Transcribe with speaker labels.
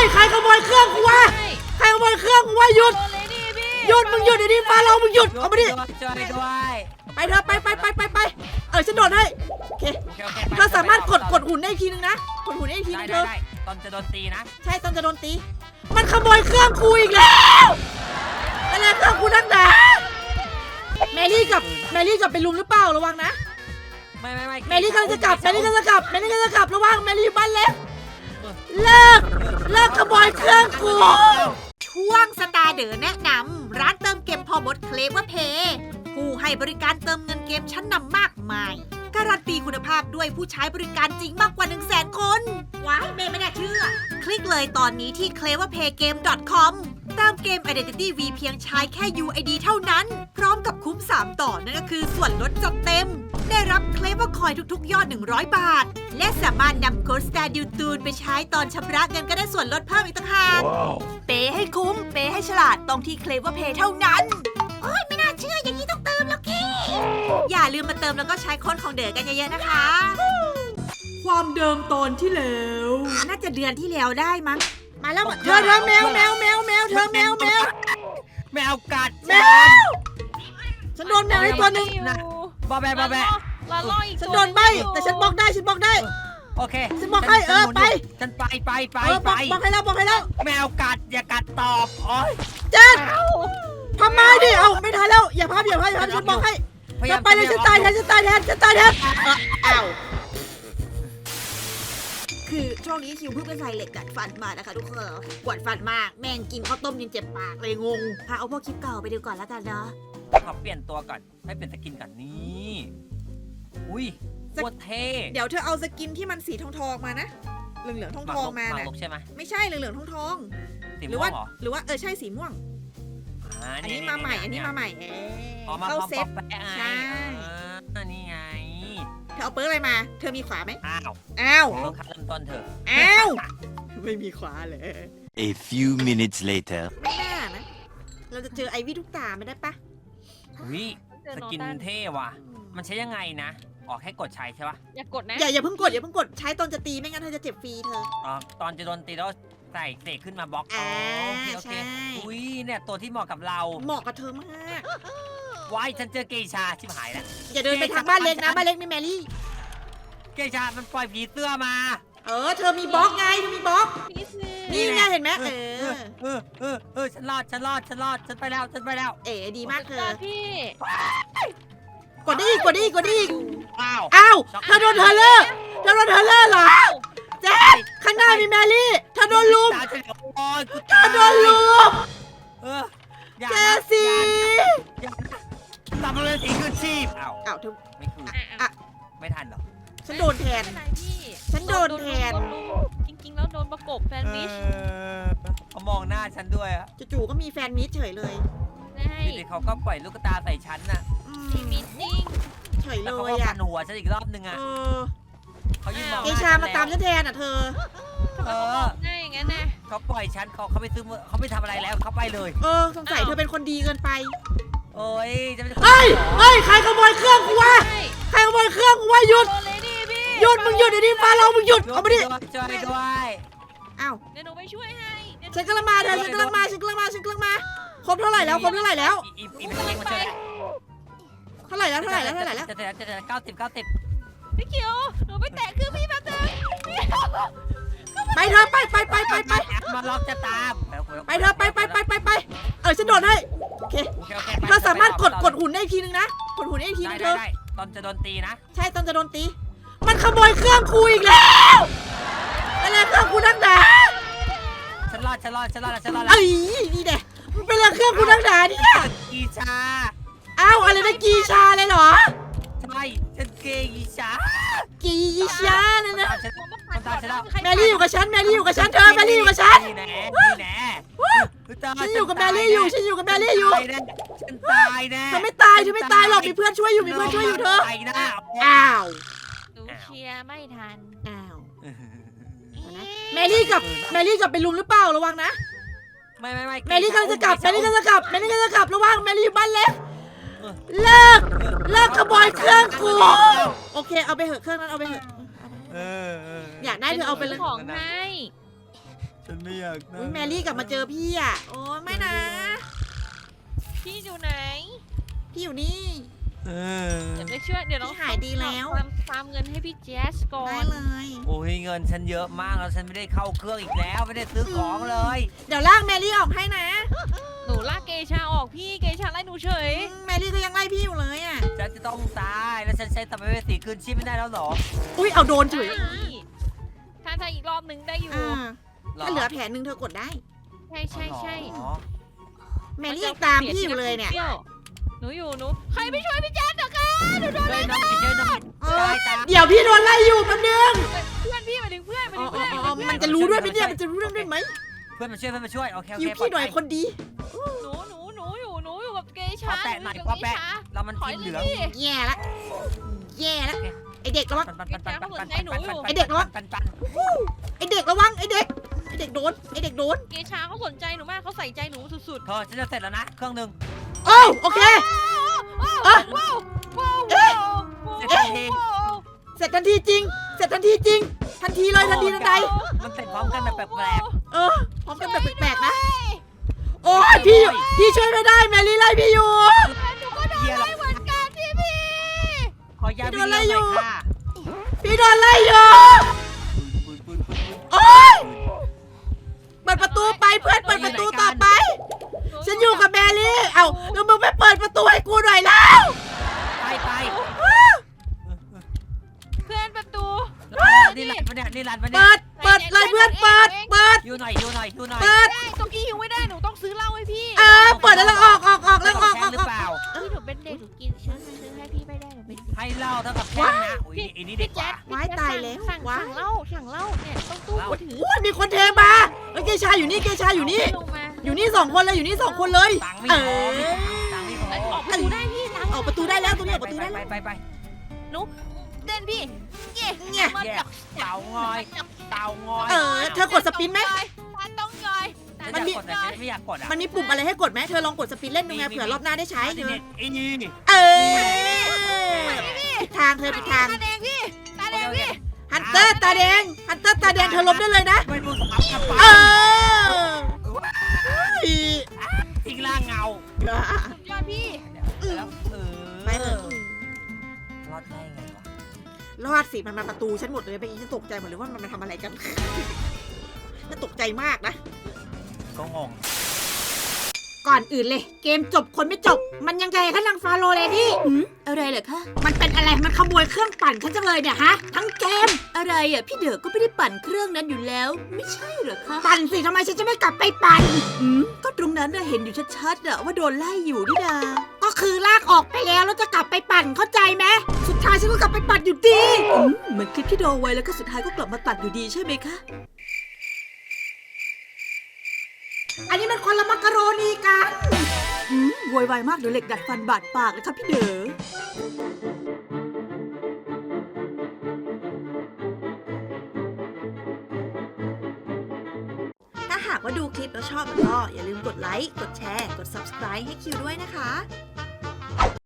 Speaker 1: ยใครขโมยเครื่องกูวะใครขโมยเครื่องกูวะหยุดหยุดมึงหยุดเดี๋ยวนี้ฟ้าเรามึงหยุดเอามาดิ
Speaker 2: ช่วยด้วย
Speaker 1: ไปเถอะไปฉันโดดให้โอเคเธอสามารถกดหุ่นได้อีกทีนึงนะกดหุ่นได้อีกทีนึงเธอ
Speaker 2: ได้ตอนจะโดนตีนะ
Speaker 1: ใช่ตอนจะโดนตีมันขโมยเครื่องกูอีกแล้วอะไรเครื่องกูนักหนาแมรี่กับไปลุมหรือเปล่าระวังนะ
Speaker 2: ไม่
Speaker 1: แมรี่กำลังจะกลับระวังแมรี่อยู่บ้านเล็กเลิกขโมยเครื่องกูช่วงสตาร์เดอร์แนะนำร้านเติมเกมพอมดเคลเวอร์เพย์ผู้ให้บริการเติมเงินเกมชั้นนำมากมายการันตีคุณภาพด้วยผู้ใช้บริการจริงมากกว่า 100,000 คนว้ายไม่น่าเชื่อคลิกเลยตอนนี้ที่ cleverpaygame.com เติมเกม Identity V เพียงใช้แค่ UID เท่านั้นพร้อมกับคุ้ม3ต่อนั่นก็คือส่วนลดจัดเต็มได้รับเคลเวอร์คอยทุกๆยอด100 บาทและสามารถนำโค้ด Star d ิวตูนไปใช้ตอนชำระเงินก็ได้ส่วนลดเพิ่มอีกต่างหากเปย์ให้คุ้มเปย์ให้ฉลาดต้องที่ Cleverpay เท่านั้นโอ้ยไม่น่าเชื่ออย่างนี้ต้องเติมแล้วกี้อย่าลืมมาเติมแล้วก็ใช้โค้ดของเด๋อกันเยอะๆนะคะความเดิมตอนที่แล้วน่าจะเดือนที่แล้วได้มั้งมาแล้วเธอแมวเธอแมว
Speaker 2: กัด
Speaker 1: ฉันโดนแมวให้ตัวนึง
Speaker 2: บอแบะ
Speaker 1: ฉันโดนใบแต่ฉันบล็อกได้
Speaker 2: โอเค
Speaker 1: ฉันบล็อกให้ไป
Speaker 2: ฉันไป
Speaker 1: บล็อกให้แล้ว
Speaker 2: แมวกัดอย่ากัดตอบโอ้ย
Speaker 1: เจ๊ทำไมดิเอาไม่ทันแล้วอย่าพับฉันบล็อกให้จะไปเลยฉันตายแทนอ้าวคือช่วงนี้คิวเพิ่งไปใส่เหล็กดัดฟันมานะคะทุกคนปวดฟันมากแม่งกินข้าวต้มยังเจ็บปากเลยงงเอาพวกคลิปเก่าไปดูก่อนแล้วกันเนาะ
Speaker 2: ขอเปลี่ยนตัวก่อนให้เปลี่ยนสกินก่อนนี่อุ้ยโคตรเท่
Speaker 1: เดี๋ยวเธอเอาสกินที่มันสีทองมานะเหลืองทองมานะ
Speaker 2: ใช่ไหม
Speaker 1: ไม่ใช่เหลืองทองหรือว่าใช่สีม่วงอันนี้มาใหม่เข้าเซ็ตใช่
Speaker 2: นี่ไง
Speaker 1: เธอเอาเปิร์อะไรมาเธอมีขวาไหม
Speaker 2: อ้าว
Speaker 1: เ
Speaker 2: ริ่มต้นเถอะ
Speaker 1: ไม่มีขวาเลย
Speaker 3: A few minutes later
Speaker 1: ไม่น่านะเราจะเจอไอวี่ทุกตาไม่ได้ปะ
Speaker 2: วิสกินเท่ว่ะมันใช้ยังไงนะออกให้กดใช้ใช่ปะ
Speaker 4: อย่ากดนะ
Speaker 1: อย่าเพิ่งกดใช้ตอนจะตีไม่งั้นเธอจะเจ็บฟรีเธอ
Speaker 2: ตอนจะโดนตีแล้วใส่เสกขึ้นมาบล็อกโอเคอุ้ยเนี่ยตัวที่เหมาะกับเรา
Speaker 1: เหมาะกับเธอมาก
Speaker 2: ว้ายฉันเจอเกชาชิบหายแล้ว
Speaker 1: อย่าเดินไปทางบ้านเล็กนะบ้านเล็กมีแมรี่
Speaker 2: เกชามันปล่อยผีเสื้อมา
Speaker 1: เธอมีบล็อกไงเธอมีบล็อกนี่ไงเห็นไหม
Speaker 2: ฉันรอดฉันไปแล้ว
Speaker 1: ดีมากเธอ
Speaker 4: พี่
Speaker 1: กดได้อีก
Speaker 2: อ้าว
Speaker 1: เธอโดนเธอเลอร์เหรอเจ๊ข้างหน้ามีแมรี่เธอโดนลุมเจซี่
Speaker 2: ทำอะไรสีขึ้นชีพ
Speaker 1: อ้าวเธอ
Speaker 2: ไม่คือไม่ทันหรอ
Speaker 1: ฉันโดนแทน
Speaker 4: จริงๆแล้วโดนประกบแฟนมิช
Speaker 2: เขามองหน้าฉันด้วย
Speaker 1: จู่ๆก็มีแฟนมิชเฉยเลย
Speaker 2: นี่เขาก็ปล่อยลูกตาใส่ฉันน่ะ
Speaker 4: มิชนิ่ง
Speaker 1: เฉยเลย
Speaker 2: เขาก็ฟันหัวฉันอีกรอบนึงเขายืนมอง
Speaker 1: เกชามาตามฉันแทนเธอ
Speaker 4: ง่ายอย่างนั้นนะ
Speaker 2: เขาปล่อยฉันเขาไม่ซื้อเขาไม่ทำอะไรแล้วเขาไปเลย
Speaker 1: สงสัยเธอเป็นคนดีเกินไป
Speaker 2: โอ้ยจะเป็น
Speaker 1: เฮ้ยใครขโมยเครื่องกูวะหยุดมึงหยุดเดี๋ยวนี้ฟ้าเรามึงหยุดเอามาดิ
Speaker 2: ช่วยด้วย
Speaker 4: อ้าวเดี๋ยวหนูไปช่วยให้
Speaker 1: ฉันกำลังมาครบเท่าไหร่แล้วเท่าไหร่แล้ว
Speaker 2: จะ90
Speaker 4: พี่เขียวหนูไปแตะคือพี่มาเถอะ
Speaker 1: ไปเธอไป
Speaker 2: มาล็อกจะตาม
Speaker 1: ไปเธอไปฉันโดดให้โอเคเธอสามารถกดหุ่นได้อีกทีนึงนะกดหุ่นได้อีกทีนึงเธอ
Speaker 2: ตอนจะโดนตีนะ
Speaker 1: ใช่ตอนจะโดนตีมันขโมยเครื่องกูอีกแล้วอะไรเครื่องกูนักหนา
Speaker 2: ฉันรอด
Speaker 1: นี่เด็มันเป็นเครื่องกูนักหนาเนี่ย
Speaker 2: กีชา
Speaker 1: อะไรนะกีชาเลยเหรอ
Speaker 2: ใช่ฉันกีชา
Speaker 1: เนี่ยนะแมรี่อยู่กับฉันเธอแมรี่อยู่กับฉันฉันอยู่กับแมรี่อยู่
Speaker 2: ฉันตายแน่
Speaker 1: เธอไม่ตายหรอกมีเพื่อนช่วยอยู่เธออ้าว
Speaker 4: หนูเชียร์ไม่ทัน
Speaker 1: แมรี่กับไปลุมหรือเปล่าระวังนะ
Speaker 2: ไม่
Speaker 1: แมรี่กำลังจะกลับระวังแมรี่อยู่บ้านเล็กเลิกขโมยเครื่องกูโอเคเอาไปเหอะเครื่องนั้นเอาไปเหอะอยากได้เธอเอาไปเลย
Speaker 4: ของให้
Speaker 2: ฉันไม่อยากนั่ง
Speaker 1: อุ๊ยแมรี่กลับมาเจอพี่อ่ะโอ้ยไม่นะ
Speaker 4: พี่อยู่ไหน
Speaker 1: พี่อยู่นี่
Speaker 2: เออ
Speaker 4: เดี๋ยวไปช่วยเดี๋ยวน้อง
Speaker 1: พี่หายดีแล้ว
Speaker 4: ตามเงินให้พี่แจ๊สก่อ
Speaker 1: ได้
Speaker 4: น
Speaker 1: เลย
Speaker 2: โอ้ยเงินฉันเยอะมากแล้วฉันไม่ได้เข้าเครื่องอีกแล้วไม่ได้ซื้อของเลย
Speaker 1: เดี๋ยวลากแมรี่ออกให้นะ
Speaker 4: หนูลากเกชาออกพี่เกชาไล่หนูเฉย
Speaker 1: แมรี่ก็ยังไล่พี่อยู่เลยอ่ะ
Speaker 2: ฉันจะต้องตายแล้วฉันใช้ตับไปสีคืนชีพไม่ได้แล้วเหรอ
Speaker 1: อุ้ยเอาโดนเฉย
Speaker 4: ถ้าอีกรอบหนึ่งได้อยู่
Speaker 1: อ่าถ้าเหลือแผลหนึ่งเธอกดได้
Speaker 4: ใช่
Speaker 2: อ๋อ
Speaker 1: แมรี่ยังตามพี่อยู่เลยเนี่ย
Speaker 4: หนูอยู่หนูใครไม่ช่วยพี่แจ๊สเหรอคะหนูโดน
Speaker 2: ช่วยหน่อยช่วยหน่อย
Speaker 1: เออ
Speaker 2: ตายตาย
Speaker 1: เดี๋ยวพี่โดนไล่อยู่แป๊บนึง
Speaker 4: เพื่อนพี่มาถึงเพื่อนมา
Speaker 1: อ๋
Speaker 4: ถึ
Speaker 1: อง
Speaker 4: เพื่อน
Speaker 1: อ๋อมันจะรู้ด้วยไหมเนี่ยมันจะรู้เรื่องด้วยไหม
Speaker 2: เพื่อนมาช่วยเพื่อนมาช่วยโอเคโอ
Speaker 1: คิว
Speaker 2: เค
Speaker 1: พี่หน่อยคนดี
Speaker 4: หนูอยู่กับเก
Speaker 2: ข
Speaker 4: ชา
Speaker 2: อแปะหน่อย
Speaker 4: กับ
Speaker 2: ขอ
Speaker 4: เก
Speaker 2: แปะ
Speaker 4: ชา
Speaker 2: แล้วมัน
Speaker 4: ถอย
Speaker 2: ทีม
Speaker 4: เล
Speaker 2: เห
Speaker 4: ย
Speaker 2: ลือง
Speaker 4: พี่
Speaker 1: แย่ละแย่ละไอเด็กระวัง
Speaker 2: ปันปันปันปันปันปัน
Speaker 1: ไอ้เด็กระวัง
Speaker 2: ปันปัน
Speaker 1: ไอเด็กระวังไอเด็กโดนไอเด็กโดน
Speaker 4: เกชาเขาสนใจหนูมากเขาใส่ใจหนูสุด
Speaker 2: เธอฉันจะเสร็จแล้วนะเครื่องหนึ่ง
Speaker 1: โอ้โอเค
Speaker 4: ๆ
Speaker 1: เอ้ย
Speaker 4: ว้าวว้าว
Speaker 2: เสร็จทันที
Speaker 1: เสร็จทันทีจริง เสร็จทันทีจริง ทันทีเลยทันทีทันใด
Speaker 2: มันเสร็จพร้อมกันแบบแปลก
Speaker 1: เออพร้อมกันแบบแปลกๆนะ โอ้ยพี่ช่วยไม่ได้แมรี่ไล่พี่อยู่
Speaker 4: หนูก็โดนไล่เหมือนกันพี่
Speaker 2: ๆขอย้ายไปเรื่องหน่อยค่ะ
Speaker 1: พี่โดนไล่อยู่ โอ๊ย เปิดประตูไปเพื่อนเปิดประตูต่อไป ฉันอยู่กับแมรี่เอ้าแล้วมึงไม่เปิดประตูให้กูหน่อยแล้ว
Speaker 2: ไป
Speaker 4: เพื่อนประตู
Speaker 2: นี่รันปะเนี่ยนี่รันปะเนี่ย
Speaker 1: เปิดเลยเพื่อนเปิด
Speaker 2: อยู่หน่อย
Speaker 1: เปิด
Speaker 4: ได้ตรงนี้หิวไม่ได้หนูต้องซื้อเหล้าให้พี่
Speaker 1: เปิดแล้วออกแล้วออก
Speaker 2: หรือเปล่า
Speaker 4: พี่หนูเป็นเด็กหนูกินซื้อให้พี่ไม่ได้หนูเป็นเด็ก
Speaker 2: ให้เหล้าเท่ากับแค่นะอุ้ยอันนี้เด็กกว่า
Speaker 1: ว้ายตายแล้ว
Speaker 4: สั่งเหล้าเนี่ยต้องตู้มือถือ
Speaker 1: โอ้ยมีคนเทมาเฮ้ยเกชาอยู่นี่เกชาอยู่นี่
Speaker 4: ลงมา
Speaker 1: อยู่นี่สองคนเลยอยู่นี่สองคนเลย
Speaker 2: ตังค์ไม่
Speaker 1: เอ
Speaker 2: พอ
Speaker 1: อ
Speaker 2: ตังค์ไม่พ
Speaker 4: อ
Speaker 2: อ
Speaker 4: อกประตูได้พี่ตัง
Speaker 1: ออกประตูได้แล้วตรงนี้ออกประตูได้แล้ว
Speaker 2: ไป
Speaker 4: เต้นพี่เย่
Speaker 1: เนี่ย
Speaker 4: มัน
Speaker 2: แย่เต่างอยเต่างอย
Speaker 1: เธอกดสปินไหม
Speaker 4: มันต้องยอย
Speaker 1: มันมี
Speaker 2: กดแต่ฉันไม่อยากกดอ่ะ
Speaker 1: มันมีปุ่มอะไรให้กดไหมเธอลองกดสปินเล่นดูไงเผื่อรอบหน้าได้ใช้เธอ
Speaker 2: อีนี่
Speaker 1: เออผิดทางเธอผิดทาง
Speaker 4: ตาแดงพี่ตาแดงพี่
Speaker 1: ฮันเตอร์ตาแดงเธอล้มได้เลยนะ
Speaker 2: ไม่รู้สมัครกับ
Speaker 1: เอ
Speaker 2: ป้า
Speaker 1: อ
Speaker 2: ทิ้งล่างเงา
Speaker 4: ยอดพี่
Speaker 2: แล้ว
Speaker 1: ไปเถอะ
Speaker 2: รอดได้ไงวะ
Speaker 1: รอดสิมันมาประตูฉันหมดเลยเมื่อกี้ฉันตกใจหมดเลยว่ามันมาทำอะไรกันฉันตกใจมากนะ
Speaker 2: ก็งง
Speaker 1: ก่อนอื่นเลย เกมจบคนไม่จบ มันยังไงคะนางฟาโรเลดี้อะไรเหรอคะมันเป็นอะไรมันขโมยเครื่องปั่นฉันจังเลยเนี่ยฮะทั้งเกมอะไรอ่ะพี่เด๋อก็ไม่ได้ปั่นเครื่องนั้นอยู่แล้ว ไม่ใช่เหรอคะปั่นสิทำไมฉันจะไม่กลับไปปั่นก็ตรงนั้นน่ะเห็นอยู่ชัดๆอะว่าโดนไล่อยู่นี่นาก็คือลากออกไปแล้วแล้วจะกลับไปปั่นเข้าใจไหมสุดท้ายฉันก็กลับไปปั่นอยู่ดีเหมือนคลิปที่โดนไว้แล้วก็สุดท้ายก็กลับมาตัดอยู่ดีใช่ไหมคะอันนี้มันคนละมักกะโรนีกันโวยวายมากเดี๋ยวเหล็กดัดฟันบาดปากเลยครับพี่เด๋อถ้าหากว่าดูคลิปแล้วชอบก็อย่าลืมกดไลค์ กดแชร์ กด Subscribe ให้คิวด้วยนะคะ